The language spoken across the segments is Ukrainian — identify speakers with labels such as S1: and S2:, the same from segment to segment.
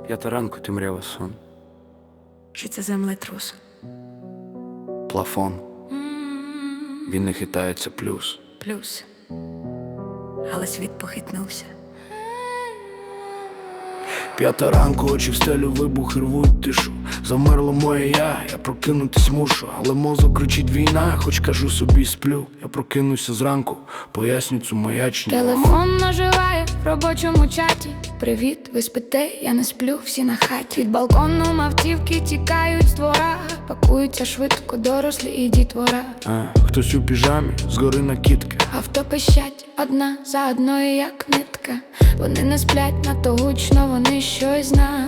S1: 5 ранку темрява сон.
S2: Чи це землетрус?
S1: Плафон. Він не хитається плюс.
S2: Плюс. Але світ похитнувся.
S1: 5 ранку, очі в стелю, вибухи рвуть тишу. Замерло моє я прокинутись мушу. Але мозок кричить війна, хоч кажу собі сплю. Я прокинуся зранку, поясню цю маячню.
S2: Телефон наживає в робочому чаті. Привіт, ви спите, я не сплю, всі на хаті. Від балкону мавтівки тікають з двора. Пакуються швидко дорослі і дітвора.
S1: Хтось у піжамі, згори накидки.
S2: Авто пищать одна за одною, як нитка. Вони не сплять надто гучно, вони щось знають.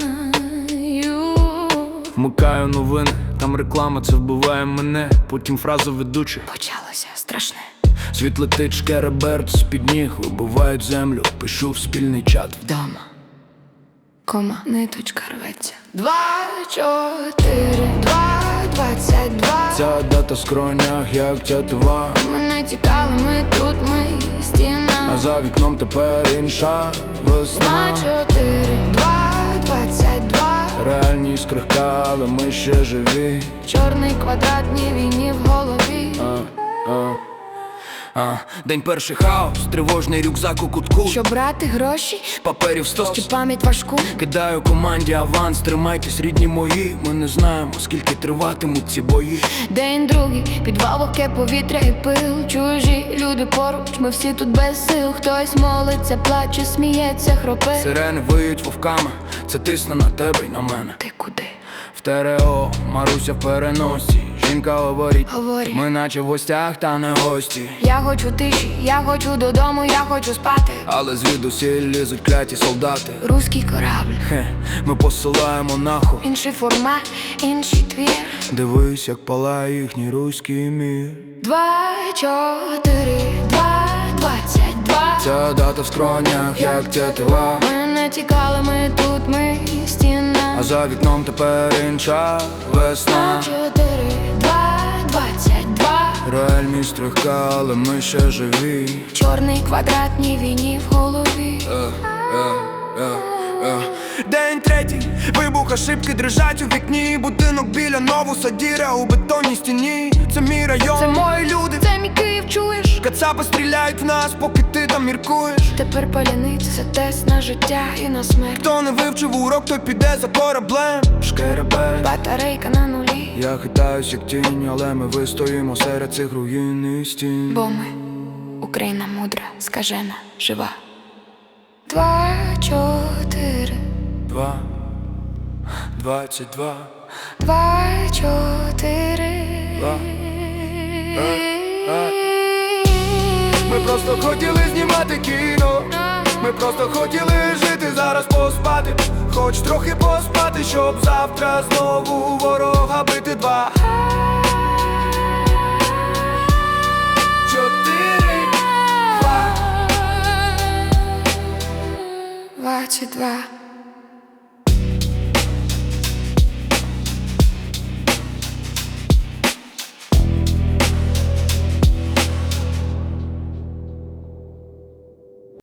S1: Вмикаю новини, там реклама, це вбиває мене. Потім фраза ведучих.
S2: Почалося страшне.
S1: Світ летить, шкереберт з-під ніг, вибивають землю, пишу в спільний чат.
S2: Вдома. Кома, ниточка рветься. 2, 4, 2, 22.
S1: Ця дата в скронях, як тятива.
S2: Ми не тікали, ми тут, ми стіна.
S1: А за вікном тепер інша весна.
S2: 2, 4, 2, 22.
S1: Реальність крихка, але ми ще живі.
S2: Чорний квадратній війні в голові.
S1: День перший хаос, тривожний рюкзак у кутку.
S2: Щоб брати гроші,
S1: Паперів стос.
S2: чи пам'ять важку.
S1: Кидаю команді аванс, тримайтесь, рідні мої. Ми не знаємо, скільки триватимуть ці бої.
S2: День другий, підвал, вогке повітря і пил. Чужі люди поруч, ми всі тут без сил. Хтось молиться, плаче, сміється, хропе.
S1: Сирени виють вовками, це тисне на тебе й на мене.
S2: Ти куди?
S1: В ТРО, Маруся в переносі. Жінка говорить,
S2: Говорить.
S1: ми наче в гостях, та не гості.
S2: Я хочу тиші, я хочу додому, я хочу спати.
S1: Але звідусіль лізуть кляті солдати.
S2: Руський корабль,
S1: Ми посилаємо нахуй.
S2: інший формат, інший твір.
S1: Дивись, як палає їхній руський мір.
S2: 2, 4, 2, 22.
S1: Ця дата в скронях, як тятива.
S2: Ми не тікали, ми тут, ми стіна.
S1: А за вікном тепер інша весна.
S2: 4, 2, 22.
S1: Реальність трохка, але ми ще живі.
S2: Чорний квадратній війні в голові.
S1: День третій, вибух, ошибки дрижать у вікні. Будинок біля Новуса, діра у бетонній стіні. Це мій район,
S2: Це мої люди, це мій Київ, чуєш?
S1: кацапи стріляють в нас, поки ти там міркуєш.
S2: Тепер паляниця, це тест на життя і на смерть.
S1: Хто не вивчив урок, той піде за кораблем. Шкеребель.
S2: Батарейка на нулі.
S1: Я хитаюсь як тінь, але ми вистоїмо серед цих руїн і стін.
S2: Бо ми, Україна мудра, скажена, жива. 2, 4,
S1: 2, 22.
S2: 2, 4.
S1: Ми просто хотіли знімати кіно. Ми просто хотіли жити, зараз поспати. Хоч трохи поспати, щоб завтра знову ворога бити. 2, 4, 2.
S2: 22.